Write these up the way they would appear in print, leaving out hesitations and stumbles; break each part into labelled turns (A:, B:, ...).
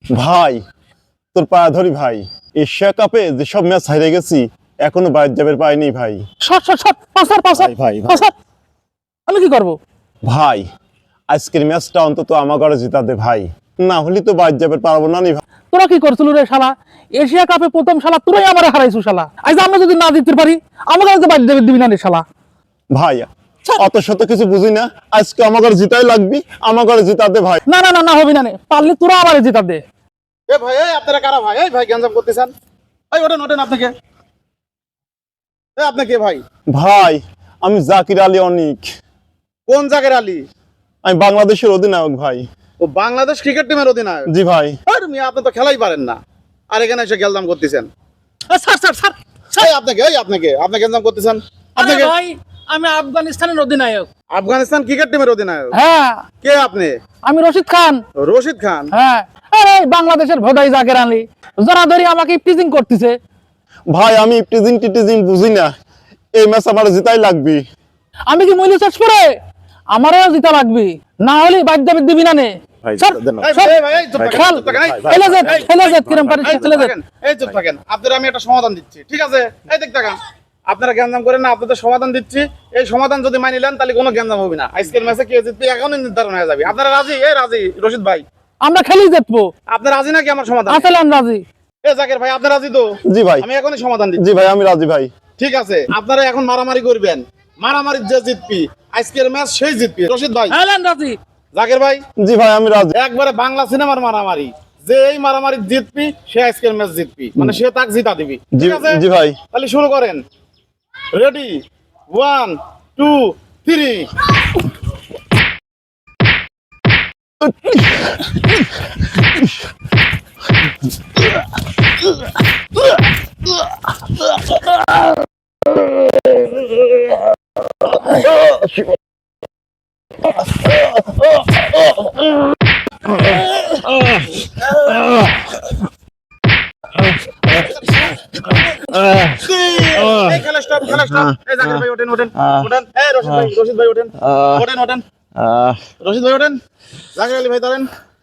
A: ভাই তোর পায়ে ধরি ভাই, এশিয়া কাপে যেসব ম্যাচ হারিয়ে গেছি এখনো বাইর যাবের পাইনি ভাই।
B: ভাই
C: আমি কি করব
A: ভাই আজকের ম্যাচটা অন্তত আমার ঘরে জিতা দে ভাই, না হলে তো বাইর যাবের পারবো না নি ভাই।
C: তোরা কি করছিল রে শালা? এশিয়া কাপে প্রথম শালা তোরাই আমারে হারাইছু শালা। আজ আমরা যদি না জিততে পারি আমাকে আজ বাইরে যাবে দিবি না রে শালা।
A: ভাই অত শত কিছু বুঝি না, আজকে আমার ঘরে জিতাই লাগবি, আমার ঘরে জিতা দে ভাই।
C: না না না না হবি না নে, পারলে তোরা আমারে জিতা দে।
B: এ ভাই, এই আপনারা কারা ভাই? এই ভাই গ্যাঞ্জাম করতেছেন। এই ওঠেন আপনাকে। আপনি কে ভাই?
A: ভাই আমি জাকির আলী অনিক,
B: কোন জায়গার আলী?
A: আমি বাংলাদেশের অধিনায়ক ভাই।
B: ও বাংলাদেশ ক্রিকেট টিমের অধিনায়ক?
A: জি ভাই।
B: আরে মিয়া, আপনি তো খেলাই পারেন না, আর এখানে এসে গ্যাঞ্জাম করতেছেন।
C: স্যার
B: এই আপনাকে আপনি গ্যাঞ্জাম করতেছেন। আপনাকে
C: ভাই আমি আফগানিস্তানের অধিনায়ক।
B: আফগানিস্তান ক্রিকেট টিমের অধিনায়ক?
C: হ্যাঁ
B: কে আপনি?
C: আমি রশিদ খান।
B: রশিদ খান?
C: হ্যাঁ। আরে বাংলাদেশের ভোদাই জাকের আলী জোরাধরি আমাকে টিজিং করতেছে।
A: ভাই আমি টিজিং বুঝি না, এই ম্যাচ আমার জিতাই লাগবি।
C: আমি কি মইলি চাষ করে আমারও জিতা লাগবে, না হলে বাইর যাবে দিবি না নে।
A: ভাই
C: স্যার,
A: দেন না।
B: এই
C: স্যার,
B: ভাই, এই চুপ থাকেন,
C: খেল,
B: চুপ থাকেন, এই,
C: খেলে যেত,
B: এই,
C: খেলে যেত, কিরম পারিস
B: এই চুপ
C: খেলে যেত।
B: থাকেন, এই চুপ থাকেন। আপনাদের আমি একটা সমাধান দিচ্ছি, ঠিক আছে? এই দেখ থাকেন, আপনারা গ্যাঞ্জাম করেন না, আপনাদের সমাধান দিচ্ছি। এই সমাধান যদি মানি নেন তাহলে কোনো গ্যাঞ্জাম হবে না। আজকের ম্যাচে কে জিতবে এখনই নির্ধারণ হয়ে যাবে। আপনারা রাজি? এই রাজি রশিদ ভাই?
C: আমরা খেলি জিতবো।
B: আপনি রাজি নাকি আমার সমাধান?
C: আসলাম রাজি।
B: এ জাকির ভাই, আপনি রাজি তো?
A: জি ভাই।
B: আমি এখনই সমাধান দিচ্ছি।
A: জি ভাই আমি রাজি ভাই।
B: ঠিক আছে, আপনারা এখন মারামারি করবেন, মারামারি যে জিতবি আজকের ম্যাচ সেই জিতবি। রশিদ ভাই?
C: আসলাম রাজি।
B: জাকির ভাই?
A: জি ভাই আমি রাজি।
B: একবারে বাংলা সিনেমার মারামারি, যে এই মারামারি জিতবি সে আজকের ম্যাচ জিতবি, মানে সে তাক জিতা দিবি।
A: জি
B: ঠিক আছে?
A: জি ভাই।
B: তাহলে শুরু করেন। রেডি, 1 2 3। এই খেলা স্টপ, খেলা স্টপ। এই জাকির ভাই ওঠেন। এই রশিদ ভাই ওঠেন। রশিদ ভাই ওঠেন। জাকির আলী ভাই ধরেন।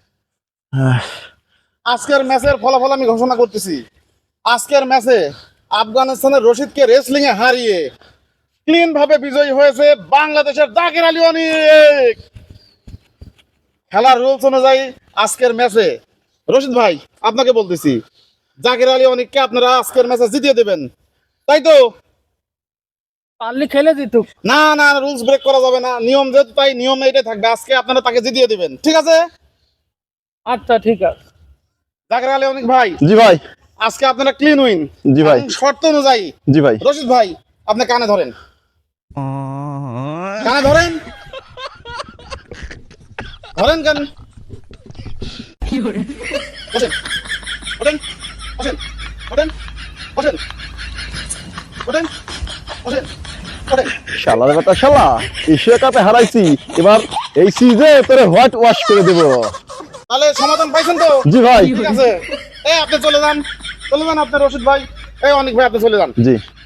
B: আজকের ম্যাচের ফলাফল আমি ঘোষণা করতেছি। আজকের ম্যাচে আফগানিস্তানের রশিদকে রেসলিং এ হারিয়ে ক্লিন ভাবে বিজয়ী হয়েছে বাংলাদেশের জাকির আলী অনিক। খেলার রুলস অনুযায়ী আজকের ম্যাচে রশিদ ভাই আপনাকে বলতেছি, জাকির আলী অনিককে আপনারা আজকের ম্যাচে জিতিয়ে দেবেন, তাই তো?
C: পারলে খেলে জিতুক।
B: না না, রুলস ব্রেক করা যাবে না, নিয়ম যেহেতু তাই নিয়ম এটাই থাকবে। আজকে আপনারা তাকে জিতিয়ে দিবেন, ঠিক আছে?
C: আচ্ছা ঠিক আছে।
B: জাকির আলী অনিক ভাই,
A: জি ভাই।
B: আজকে আপনারা ক্লিন উইন।
A: জি ভাই।
B: শর্ত অনুযায়ী
A: জি ভাই।
B: রশিদ ভাই আপনি কানে ধরেন, কানে ধরেন, ধরেন কান। ওঠেন, ওঠেন, ওঠেন, ওঠেন, ওঠেন, ওঠেন, ওঠেন, ওঠেন।
A: শালার বেটা শালা, এশিয়া কাপে হারাইছি, এবার এই সিজে তোরে হোয়াইট ওয়াশ করে দেব।
B: তাহলে সমাধান পাইছেন তো?
A: জি ভাই।
B: ঠিক আছে, এই আপনি চলে যান, চলে যান আপনি রশিদ ভাই। এই অনিক ভাই আপনি চলে যান।
A: জি।